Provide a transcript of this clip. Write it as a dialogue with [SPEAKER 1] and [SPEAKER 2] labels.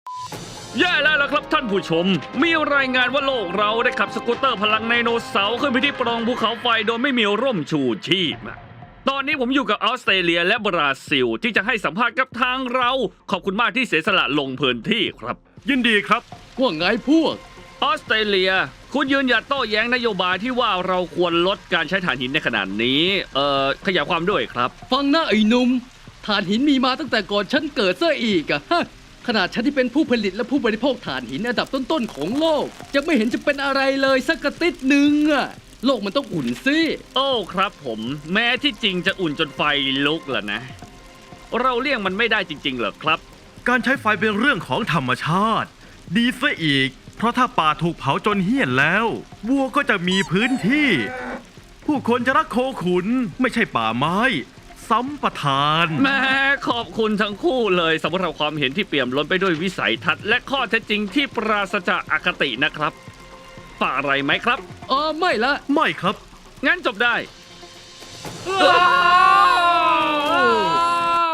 [SPEAKER 1] แย่แล้วล่ะครับท่านผู้ชม มีรายงานว่าโลกเราได้ขับสกูตเตอร์พลังไดโนเสาร์ขึ้นไปที่ปล่องภูเขาไฟโดยไม่มีร่มชูชีพ ตอนนี้ผมอยู่กับออสเตรเลียและบราซิลที่จะให้สัมภาษณ์กับทางเรา ขอบคุณมากที่เสียสละลงพื้นที่ครับ
[SPEAKER 2] ยินดีครับ
[SPEAKER 3] ว่าไงพวก
[SPEAKER 1] ออสเตรเลีย คุณยืนหยัดโต้แย้งนโยบายที่ว่าเราควรลดการใช้ถ่านหินในขนาดนี้ขยายความด้วยครับ
[SPEAKER 3] ฟังนะไอ้หนุ่มถ่านหินมีมาตั้งแต่ก่อนฉันเกิดซะอีกอะฮะขนาดฉันที่เป็นผู้ผลิตและผู้บริโภคถ่านหินอันดับต้นๆของโลกยังไม่เห็นจะเป็นอะไรเลยสักกระติดหนึ่งอะโลกมันต้องอุ่นสิ
[SPEAKER 1] โอ้ครับผม แม้ที่จริงจะอุ่นจนไฟลุกแล้วนะ เราเลี่ยงมันไม่ได้จริงๆเหรอครับ
[SPEAKER 2] การใช้ไฟเป็นเรื่องของธรรมชาติ ดีซะอีก เพราะถ้าป่าถูกเผาจนเหี้ยนแล้ววัวก็จะมีพื้นที่ ผู้คนจะรักโคขุนไม่ใช่ป่าไม้ซ้ำประทาน
[SPEAKER 1] แม่ขอบคุณทั้งคู่เลยสำหรับความเห็นที่เปี่ยมล้นไปด้วยวิสัยทัศน์และข้อเท็จจริงที่ปราศจากอคตินะครับฝากอะไรไหมครับ
[SPEAKER 3] ไม่ละ
[SPEAKER 2] ไม่ครับ
[SPEAKER 1] งั้นจบได้